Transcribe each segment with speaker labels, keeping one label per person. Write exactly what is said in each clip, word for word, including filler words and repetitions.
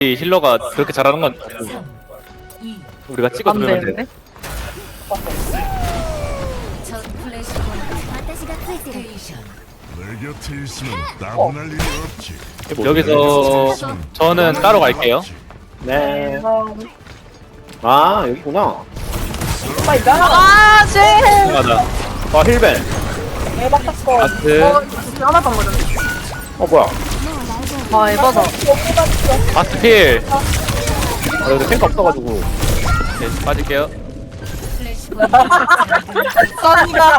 Speaker 1: 이 힐러가 그렇게 잘하는 건 우리가 찍어
Speaker 2: 안
Speaker 1: 누르면
Speaker 2: 되는데?
Speaker 1: 돼.
Speaker 3: 내 곁에 있으면 따분할 일이 없지.
Speaker 1: 여기서 저는 따로 갈게요.
Speaker 4: 네. 아, 여기구나.
Speaker 2: 아, 쟤!
Speaker 1: 맞아.
Speaker 4: 아, 힐벤.
Speaker 1: 바스,
Speaker 2: 하나도 안 맞았네.
Speaker 4: 어, 뭐야.
Speaker 2: 아, 에바다.
Speaker 1: 바스 필.
Speaker 4: 아, 여기 탱크 없어가지고.
Speaker 1: 네, 빠질게요.
Speaker 2: 썬이가.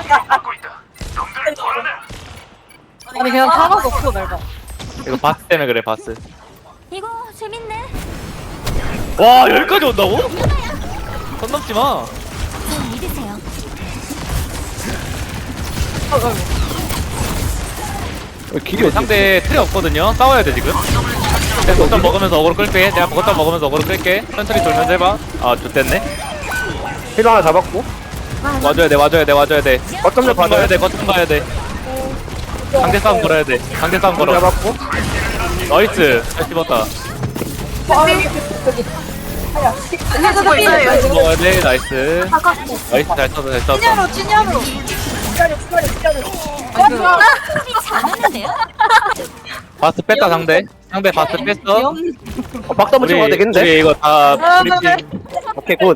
Speaker 2: 아니, 그냥 타고 없어, 내가.
Speaker 1: 이거 바스 때문에 그래, 바스.
Speaker 5: 이거 재밌네.
Speaker 1: 와, 여기까지 온다고? 선 넘지 마.
Speaker 5: 전 믿으세요.
Speaker 4: 여기 길이
Speaker 1: 우리
Speaker 4: 어디
Speaker 1: 상대 틀이 없거든요. 싸워야 돼, 지금. 내가 거점 먹으면서 어그로 끌게. 내가 거점 먹으면서 어그로 끌게. 천천히 돌면서 해봐. 아, 좋댔네.
Speaker 4: 힐 하나 잡았고.
Speaker 1: 와줘야 돼, 와줘야 돼, 와줘야 돼.
Speaker 4: 거점 좀
Speaker 1: 거점 가야
Speaker 4: 받아야
Speaker 1: 돼, 거점 가야 돼. 상대 싸움 걸어야 돼. 상대 싸움 걸어.
Speaker 4: 잡았고.
Speaker 1: 나이스. 잘 씹었다.
Speaker 2: 해주고 있어요.
Speaker 1: 먹어야 돼. 나이스. 나이스. 잘 썼어, 잘 썼어.
Speaker 2: 찐야로, 찐야로.
Speaker 5: 잘하는데요?
Speaker 1: 바스 뺐다, 상대. 상대 바스 뺐어.
Speaker 4: 어, 박수 한번 치고 가야 되겠는데?
Speaker 1: 우리 이거 다 프리팀.
Speaker 4: 오케이, 굿.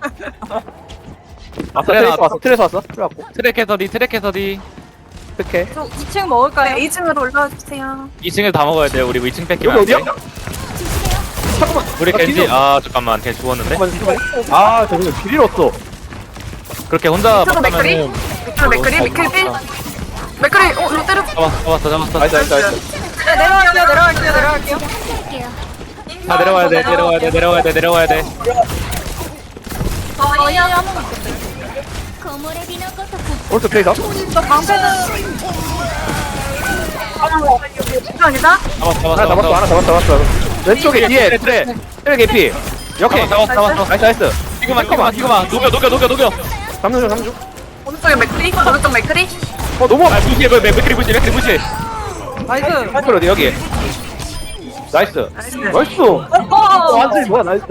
Speaker 4: 아,
Speaker 1: 그래,
Speaker 4: 트레이서
Speaker 1: 나-
Speaker 4: 왔어, 트레이서 왔어. 트레 왔고.
Speaker 1: 트랙 해서디, 트랙 해서디.
Speaker 4: 이렇게.
Speaker 2: 저 이 층 먹을까요? 이 층으로 올라와주세요.
Speaker 1: 이 층에 다 먹어야 돼. 우리 이 층 뺏기면
Speaker 4: 여기
Speaker 1: 안 돼.
Speaker 4: 어디야? 잠깐만.
Speaker 1: 우리
Speaker 4: 나
Speaker 1: 겐지.
Speaker 4: 뒤져.
Speaker 1: 아, 잠깐만. 걔 죽었는데.
Speaker 4: 잠깐만, 잠깐만. 아, 저기 길이 없어.
Speaker 1: 그렇게 혼자
Speaker 2: 저도 맥크리?
Speaker 1: 막하면은
Speaker 2: 맥크리, 맥크리, 맥크리. 맥크리, 어, 이거 때려.
Speaker 1: 잡았어, 잡았어, 잡았어.
Speaker 4: 나이스, 나이스, 나이스.
Speaker 2: 네, 내려갈게요, 내려갈게요, 내려갈게요.
Speaker 5: 할게요.
Speaker 1: 다 내려와야 돼, 내려와야 돼, 내려와야 돼, 내려와야 돼.
Speaker 2: 저희 하나 먹었어요.
Speaker 5: 고모레 비노코토
Speaker 4: 오른쪽 트레이서.
Speaker 2: 저 방패는. 이상이다?
Speaker 1: 잡았어, 잡았어,
Speaker 4: 하나 잡았어, 하나 잡았어, 잡았어. 왼쪽에 뒤에 트레. 트레 개피. 이렇게.
Speaker 1: 잡았어, 잡았어.
Speaker 4: 나이스, 나이스.
Speaker 1: 지금만, 지금만, 지금만. 녹여, 녹여, 녹여, 녹여.
Speaker 4: 삼 중, 삼 중.
Speaker 2: 오른쪽에 맥크리? 오른쪽 맥크리?
Speaker 4: 어, 너무.
Speaker 1: 아, 무시해, 왜, 왜, 맥크리 무시해, 맥크리 무시해.
Speaker 2: 나이스.
Speaker 4: 파이플 어디, 여기. 나이스. 나이스. 어, 완전히 뭐야, 나이스.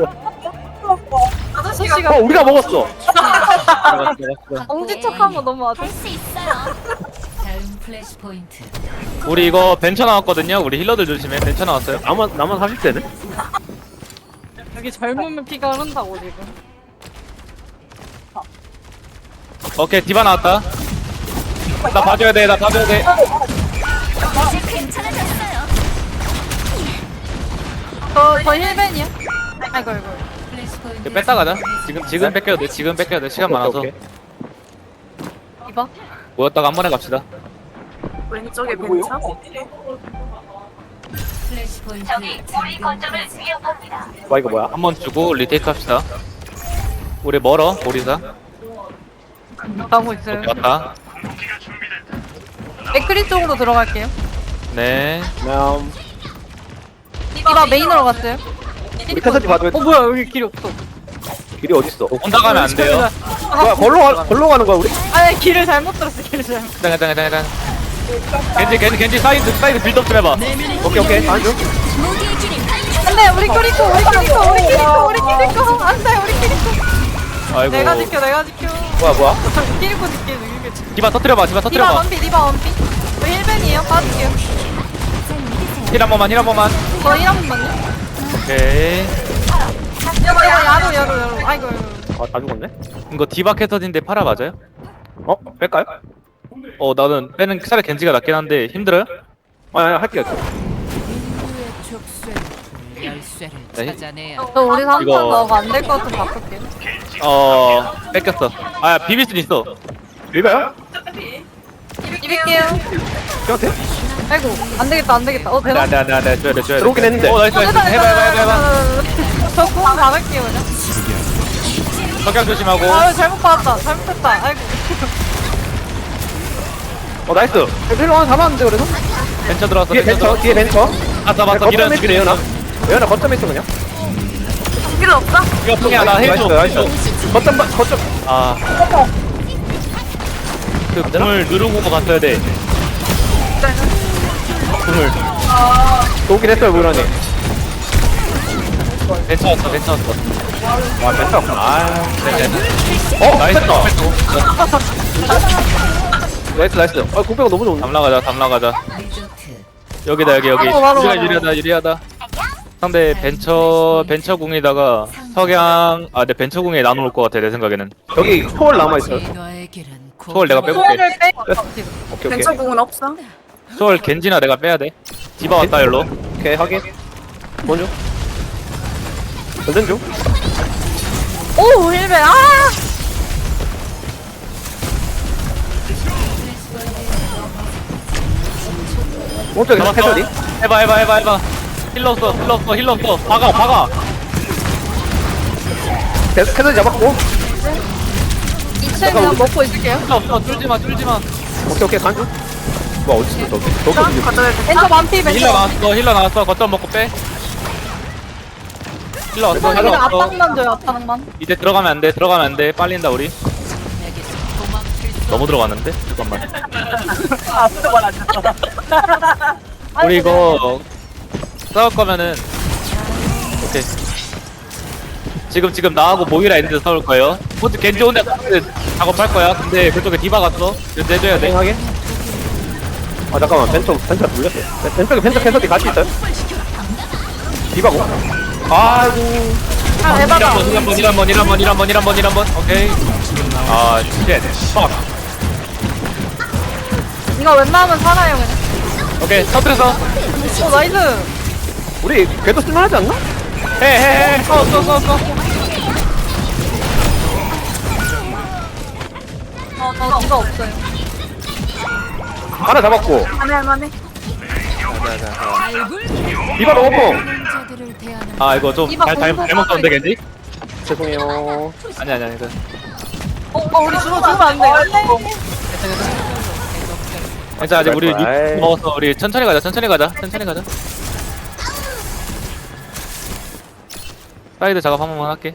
Speaker 2: 아저씨가
Speaker 4: 어, 우리가 먹었어.
Speaker 1: 잡았어, 잡았어.
Speaker 2: 엉지척한 거 너무 아주.
Speaker 5: 할 수 있어요. 다음 플래시 포인트.
Speaker 1: 우리 이거 벤처 나왔거든요. 우리 힐러들 조심해. 벤처 나왔어요.
Speaker 4: 나만, 나만 사십 대네?
Speaker 2: 여기 젊으면 피가 흐른다고 지금.
Speaker 1: 오케이, 디바 나왔다. 나 봐줘야 돼, 나 봐줘야 돼.
Speaker 5: 이제 괜찮아졌어요.
Speaker 2: 저, 저 힐벤이요? 아이고, 아이고.
Speaker 5: 플래시 포인트.
Speaker 1: 이거 뺐다 가자. 지금, 지금 뺏겨도 돼. 지금 뺏겨도 돼. 시간 많아서.
Speaker 4: 오케이,
Speaker 2: 이봐.
Speaker 1: 모였다가 한 번에 갑시다.
Speaker 2: 왼쪽에 벤차?
Speaker 5: 플래시 포인트. 저기 우리 거점을 위협합니다.
Speaker 4: 와, 이거 뭐야?
Speaker 1: 한 번 주고 리테이크 합시다. 우리 멀어, 오리사.
Speaker 2: 가고 있어요.
Speaker 1: 오케이, 왔다.
Speaker 2: 맥크리 쪽으로 들어갈게요.
Speaker 1: 네.
Speaker 4: 그냥,
Speaker 2: 이봐 메인으로 갔어요.
Speaker 4: 우리 태서지 봐도
Speaker 2: 어 뭐야 여기 길이 없어.
Speaker 4: 길이 어딨어?
Speaker 1: 혼자 가면 안 돼요.
Speaker 4: 뭐야, 걸로, 가, 걸로 가는 거야, 우리?
Speaker 2: 아니 길을 잘못 들었어 길을 잘못.
Speaker 1: 해당, 해당, 해당, 해당. 겐지, 겐지, 겐지 사이드, 사이드 빌드업 좀 해봐.
Speaker 4: 오케이, 오케이. 안 중.
Speaker 5: 무기의 길을
Speaker 2: 안돼 우리 키리코 우리 키리코 우리 키리코 우리 키리코 안돼 우리 키리코.
Speaker 1: 아이고.
Speaker 2: 내가 지켜 내가 지켜.
Speaker 4: 뭐야, 뭐야?
Speaker 2: 키리코 지켜 이게 지켜.
Speaker 1: 디바 터뜨려봐, 디바
Speaker 2: 디바
Speaker 1: 터뜨려봐.
Speaker 2: 원피 디바 원피. 저 힐벤이에요 빠질게요.
Speaker 5: 잘 믿으세요.
Speaker 1: 힐 한 번만, 힐 한 번만.
Speaker 2: 저 힐 한 번만요.
Speaker 1: 오케이.
Speaker 2: 야로 야로 야로 야로 아이고. 아이고.
Speaker 4: 아, 다 죽었네?
Speaker 1: 이거 디바 캐터딘데 파라 맞아요?
Speaker 4: 어? 뺄까요?
Speaker 1: 어, 나는 빼는 차라리 겐지가 낫긴 한데 힘들어요?
Speaker 4: 아, 아니, 할게요.
Speaker 6: 인류의 족쇄는 열쇠를
Speaker 1: 네.
Speaker 6: 찾아내야
Speaker 2: 저 우리 삼 판
Speaker 1: 이거-
Speaker 2: 넣어가 안 될 것 같으면 바꿀게요.
Speaker 1: 어, 뺏겼어. 아, 비빌 순 있어.
Speaker 4: 밀까요?
Speaker 2: 입을게요.
Speaker 4: 그냥 돼?
Speaker 2: 아이고 안 되겠다 안 되겠다. 어
Speaker 1: 안 돼,
Speaker 2: 되나?
Speaker 1: 안 돼, 안 돼, 안 돼. 줘야 돼, 줘야 돼.
Speaker 4: 들어오긴 했는데.
Speaker 1: 어, 나이스, 나이스. 해봐, 해봐, 해봐, 해봐.
Speaker 2: 저공 받을게요 그냥.
Speaker 1: 석양 조심하고.
Speaker 2: 아유 잘못 받았다 잘못했다. 아이고.
Speaker 4: 어, 나이스. 힐러 하나 잡았는데, 그래도?
Speaker 1: 벤처 들어왔어,
Speaker 4: 뒤에 벤처, 뒤에 벤처.
Speaker 1: 봤어, 봤어.
Speaker 4: 거점에
Speaker 1: 밀어는
Speaker 4: 있어,
Speaker 1: 죽이네,
Speaker 4: 예은아. 예은아, 거점에 있어, 그냥.
Speaker 2: 필요 없어?
Speaker 1: 이거 풍이야, 나 해줘.
Speaker 4: 나이스, 나이스. 거점, 봐, 거점.
Speaker 1: 아. 그 궁을 누르고 갔어야 돼. 궁을.
Speaker 4: 또 오긴 했어요, 무란이.
Speaker 1: 괜찮았어 괜찮았어.
Speaker 4: 와 괜찮구나. 아
Speaker 1: 어 나이스.
Speaker 4: 나이스 나이스. 아 공배가 너무 좋은데.
Speaker 1: 담 나가자 담 나가자.
Speaker 5: 리조트.
Speaker 1: 여기다 여기 여기.
Speaker 2: 바로, 바로,
Speaker 1: 우리가
Speaker 2: 바로.
Speaker 1: 유리하다 유리하다. 상대 벤처 벤처 궁에다가 석양 아내 벤처 궁에 나눠올 것 같아 내 생각에는.
Speaker 4: 여기 초월 남아 있어요.
Speaker 6: 너의 길은
Speaker 1: 초월 내가 빼볼게.
Speaker 2: 소원을 빼.
Speaker 4: 오케이 오케이.
Speaker 2: 벤처공은 없어.
Speaker 1: 초월 겐지나 내가 빼야 돼. 디바 왔다 일로.
Speaker 4: 오케이 확인. 먼저. 전전 중.
Speaker 2: 오 힐베 아.
Speaker 4: 오른쪽에
Speaker 1: 잡았어.
Speaker 4: 캐서디.
Speaker 1: 해봐 해봐 해봐 해봐. 힐러 없어 힐러 없어 힐러 없어. 박아 박아.
Speaker 4: 캐서디 잡았고.
Speaker 2: 이 층 그냥 먹고 있을게요.
Speaker 1: 힐러 없어 뚫지 마 뚫지 마.
Speaker 4: 오케이 오케이 간주. 뭐 어디 있어 저기. 저기 어디 있어.
Speaker 2: 벤처 반피 벤처.
Speaker 1: 힐러 나왔어 힐러 나왔어 거점 먹고 빼. 힐러 왔어 힐러
Speaker 2: 그냥
Speaker 1: 왔어.
Speaker 2: 압박만 줘요 압박만.
Speaker 1: 이제 들어가면 안돼 들어가면 안돼 빨린다 우리.
Speaker 6: 내게서 도망칠 수
Speaker 1: 너무 들어갔는데 잠깐만.
Speaker 2: 아 아무도 말안 했어.
Speaker 1: 우리 이거 싸울 거면은 오케이. 지금 지금 나하고 모이라 있는데 싸울 거예요. 호주 겐지 혼자 작업할 거야. 근데 그쪽에 디바 갔어. 이제 내줘야 돼.
Speaker 4: 하게. 아 잠깐만 벤처 벤처 돌렸어. 벤처 벤처 캐서디 같이 있어요? 디바고. 아이고.
Speaker 2: 아 에바다.
Speaker 1: 일 한 번, 일 한 번, 일 한 번, 일 한 번, 일 한 번, 일 한 번. 오케이. 아, 쉣. 빡.
Speaker 2: 이거 웬만하면 살아요 그냥.
Speaker 1: 오케이. 터뜨려서.
Speaker 2: 오 나이스.
Speaker 4: 우리 궤도 쓸만하지 않나?
Speaker 1: 해, 해, 해. 써, 써, 써, 써.
Speaker 2: 어 이거 없어요.
Speaker 4: 하나 잡았고.
Speaker 2: 안해 안해.
Speaker 4: 디바 너무 고
Speaker 6: 자들을 대하는
Speaker 1: 아, 이거 좀
Speaker 2: 이봐,
Speaker 1: 잘, 잘,
Speaker 2: 공부
Speaker 1: 잘못 썼는데, 겐지?
Speaker 4: 죄송해요.
Speaker 1: 아니, 아니, 아니. 이거.
Speaker 2: 어, 어 우리 주로 주면 안 돼.
Speaker 1: 괜찮아, 아직 우리
Speaker 4: 아이.
Speaker 1: 육 먹었어. 우리 천천히 가자, 천천히 가자, 천천히 가자. 사이드 작업 한 번만 할게.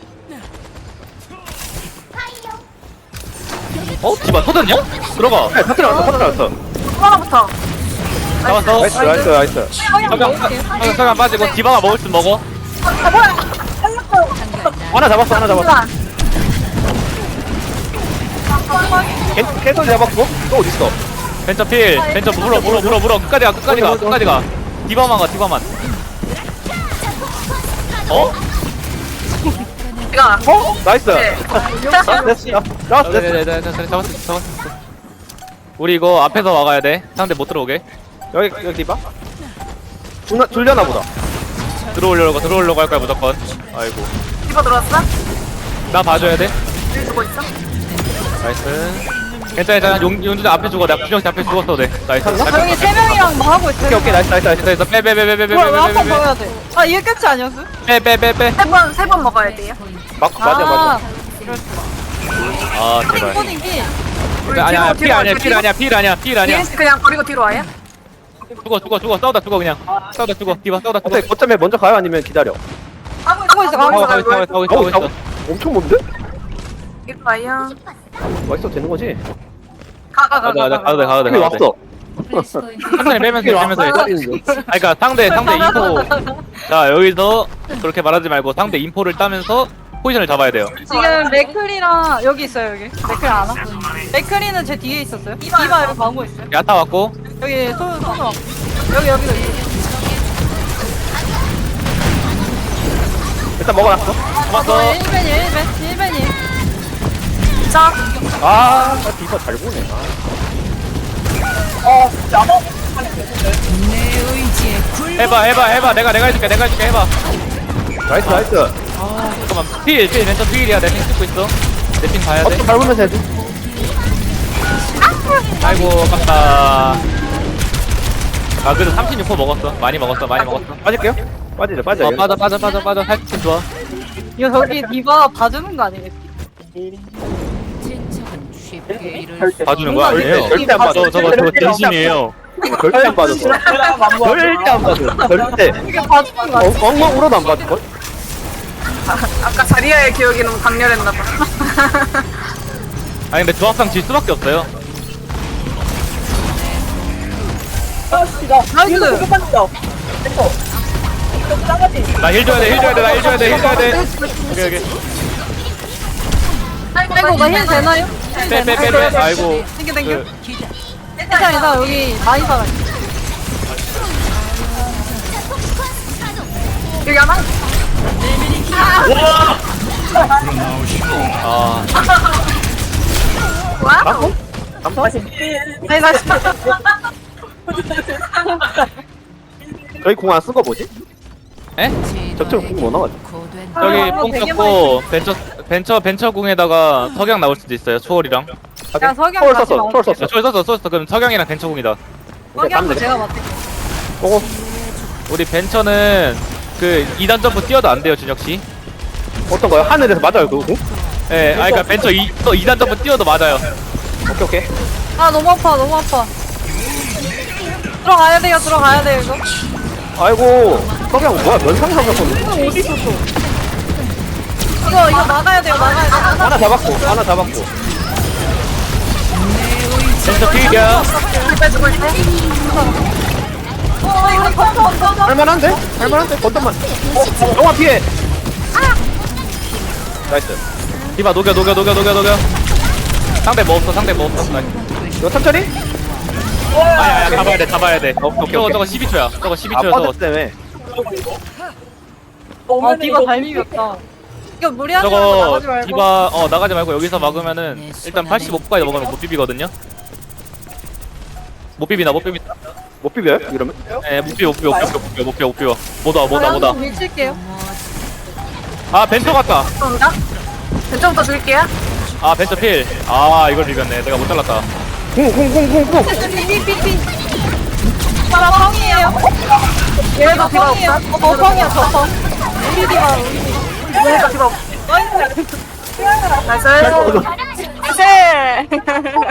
Speaker 1: 어? 디바 터졌냐? 들어가.
Speaker 4: 네, 터트려 왔어, 터트려 왔어.
Speaker 2: 하나부터.
Speaker 1: 잡았어.
Speaker 4: 나이스, 나이스, 나이스.
Speaker 1: 석양, 석양, 석양 빠지고 디바가 먹을 수 먹어.
Speaker 2: 아 뭐야? 살렸어.
Speaker 4: 하나 잡았어, 하나 잡았어. 캐- 캐서디 잡았고. 또 어디 있어?
Speaker 1: 벤처 필, 벤처 물어, 물어, 물어, 물어. 끝까지 가, 끝까지 가, 끝까지 가. 디바만 가, 디바만. 어?
Speaker 2: 내가
Speaker 4: 어? 나이스. 나이스, 나이스. 나이스.
Speaker 1: 네네네, 잡았어, 잡았어. 우리 이거 앞에서 막아야 돼. 상대 못 들어오게.
Speaker 4: 여기, 여기 디바? 줄나, 줄려나 보다.
Speaker 1: 들어오려고, 들어오려고 할 거야 무조건. 아이고.
Speaker 2: 이거 들어왔어?
Speaker 1: 나 봐줘야 돼.
Speaker 2: 주고 있어?
Speaker 1: 나이스. 괜찮아, 괜찮아. 용, 용준아 앞에 죽어. 내가 구정씨 앞에 죽었어, 네. 나이스.
Speaker 2: 여기 세 명이랑 뭐 하고 있어?
Speaker 4: 오케이, 오케이, 나이스, 나이스, 나이스.
Speaker 1: 됐어, 빼, 빼, 빼, 빼, 빼, 빼,
Speaker 2: 뭐야 왜 한 번
Speaker 1: 빼,
Speaker 2: 더 해야 돼? 아 이게 끝이 아니었어?
Speaker 1: 빼, 빼, 빼, 빼.
Speaker 2: 세 번 세 번 먹어야 돼요?
Speaker 4: 막, 맞아, 맞아.
Speaker 1: 아, 제발.
Speaker 2: 코딩기.
Speaker 1: 아니야, 필 아니야, 필 아니야, 필 아니야, 필 아니야.
Speaker 2: 디에스 그냥 버리고 뒤로 와요?
Speaker 1: 죽어, 죽어, 죽어. 싸우다 죽어 그냥. 싸우다 죽어. 디바 싸우다 죽어.
Speaker 4: 어때, 거점에 먼저 가요? 아니면 기다려?
Speaker 2: 하고 있어 하고
Speaker 1: 어,
Speaker 2: 있어
Speaker 1: 가고 있어, 가고 있어, 가고 있어,
Speaker 4: 어우,
Speaker 1: 가고 있어.
Speaker 4: 엄청 먼데?
Speaker 2: 이리 와요.
Speaker 4: 맛있어, 되는 거지?
Speaker 2: 가가
Speaker 1: 가자, 가자, 가도 돼, 가도 돼,
Speaker 4: 여기
Speaker 1: 가도 돼.
Speaker 4: 왔어.
Speaker 5: 플래시 포인트.
Speaker 1: 천천히 빼면서 빼면서 해.
Speaker 4: 기다리는 거.
Speaker 1: 아, 그니까 상대 상대 인포. 자 여기서 그렇게 말하지 말고 상대 인포를 따면서 포지션을 잡아야 돼요.
Speaker 2: 지금 맥클이랑 여기 있어요 여기. 맥클 안 와? 맥클이는 제 뒤에 있었어요. 디바 여기 가고 있어요.
Speaker 1: 야타 왔고.
Speaker 2: 여기 손 손을 왔고. 여기 여기 여기.
Speaker 4: 일단 먹어놨어.
Speaker 1: 잡았어.
Speaker 2: 일 벤이 일 벤 일 벤이. 자.
Speaker 4: 아, 나 디바 잘 보네. 아.
Speaker 6: 내 의지에 굴
Speaker 1: 해봐 해봐 해봐. 내가 내가 해줄게 내가 해줄게 해봐.
Speaker 4: 나이스, 나이스.
Speaker 1: 잠깐만. 필, 필 왼쪽 필이야. 내 팀 찍고 있어. 내 팀 봐야 돼.
Speaker 4: 어떻게 밟으면서 해야지?
Speaker 1: 아이고 아깝다. 아 그래도 삼십육 호 먹었어. 많이 먹었어 많이 먹었어.
Speaker 4: 빠질게요? 빠지자, 빠지자.
Speaker 1: 어 빠져 빠져 빠져 빠져. 살짝 좋아.
Speaker 2: 이거 저기 디바 봐주는 거 아니겠지?
Speaker 6: 진척은 쉽게 이룰 수
Speaker 1: 봐주는 거 아니에요?
Speaker 4: 절대 안 봐줘.
Speaker 1: 저 저거 저거 진심이에요.
Speaker 4: 절대 안 봐줘. 절대 안 봐줘. 절대.
Speaker 2: 이게 봐주는 거
Speaker 4: 엉-
Speaker 2: 아니야?
Speaker 4: 엉망 울어도 안 봐줄걸?
Speaker 2: 아까 자리아의 기억이 너무 강렬했나봐.
Speaker 1: 아니 근데 조합상 질 수밖에 없어요.
Speaker 2: 나이스!
Speaker 1: 나 힐 줘야 돼, 힐 줘야 돼, 나 힐 줘야 돼, 힐 줘야 돼. 오케이, 오케이.
Speaker 2: 아이고 나 힐 되나요? 힐
Speaker 1: 빼, 빼, 빼,
Speaker 2: 되나요?
Speaker 1: 빼. 아이고.
Speaker 2: 땡겨 땡겨.
Speaker 1: 그,
Speaker 2: 괜찮아 괜찮아 여기 많이 살아. 여기 하나.
Speaker 1: 아,
Speaker 2: 와우. 아니 나 진짜.
Speaker 4: 저희 공 안 쓴 거 뭐지?
Speaker 1: 에?
Speaker 4: 적절 공뭐 나왔지?
Speaker 6: 고된
Speaker 1: 저기
Speaker 2: 아,
Speaker 1: 뽕
Speaker 2: 되게
Speaker 1: 썼고 벤처 벤처 벤처 궁에다가 석양 나올 수도 있어요. 초월이랑.
Speaker 2: 야 석양
Speaker 4: 초월
Speaker 2: 다시
Speaker 4: 썼어,
Speaker 2: 나와.
Speaker 4: 초월
Speaker 1: 야,
Speaker 4: 썼어.
Speaker 1: 초월 썼어, 썼어. 그럼 석양이랑 벤처 궁이다.
Speaker 2: 석양도 제가 맡을게.
Speaker 4: 고고.
Speaker 1: 우리 벤처는 그 이 단 점프 뛰어도 안 돼요, 준혁 씨.
Speaker 4: 어떤 거요? 하늘에서 맞아요, 그거? 공?
Speaker 1: 예, 아 그러니까 벤처 이, 또 이 단 점프 뛰어도 맞아요.
Speaker 4: 오케이, 오케이.
Speaker 2: 아 너무 아파 너무 아파. 들어가야 돼요 들어가야 돼요 이거.
Speaker 4: 아이고, 석양 뭐야? 면상 상상했는데?
Speaker 2: 어디 있었어? 이거 이거 막아야 돼요 막아야 돼.
Speaker 4: 하나 잡았고, 하나 잡았고.
Speaker 1: 벤처 필이야.
Speaker 2: 빼주고 있어. 어 이거 던져 던져.
Speaker 4: 할만한데? 할만한데? 건담만. 어, 영화 피해! 나이스.
Speaker 1: 디바 녹여, 녹여, 녹여, 녹여, 녹여. 상대 뭐 없어, 상대 뭐 없어. 나이스.
Speaker 4: 이거 천천히?
Speaker 1: 아야, 아야, 잡아야 돼, 잡아야 돼.
Speaker 4: 오케이, 오케이,
Speaker 1: 저거
Speaker 4: 오케이.
Speaker 1: 저거 십이 초야. 저거 십이
Speaker 4: 아,
Speaker 1: 초야, 저거.
Speaker 4: 퍼드 때문에.
Speaker 2: 아 디바 잘 비볐다. 이거 무리하지 말고
Speaker 1: 저거
Speaker 2: 나가지 말고.
Speaker 1: 디바 어 나가지 말고 여기서 막으면은 일단 팔십오까지 먹으면 못 비비거든요. 못 비비나 못 비비나.
Speaker 4: 못 비벼요? 이러면?
Speaker 1: 에못 비워 못 비워 못 비워 못 비워 못 비워 못 비워. 못 와, 못 와, 못 와.
Speaker 2: 밀칠게요.
Speaker 1: 아 벤처 갔다.
Speaker 2: 감사합니다. 왼쪽부터 줄게요.
Speaker 1: 아 벤처 필. 아 이걸 비볐네. 내가 못 잘랐다.
Speaker 4: 공, 공, 공, 공, 공!
Speaker 2: 삐삐삐삐. 나 펑이에요. 얘도 디바 없다. 어 펑이야 저 펑. 우리 디바 우리 디바. 얘가 디바 없어. 나이스. 나이스. 나이스.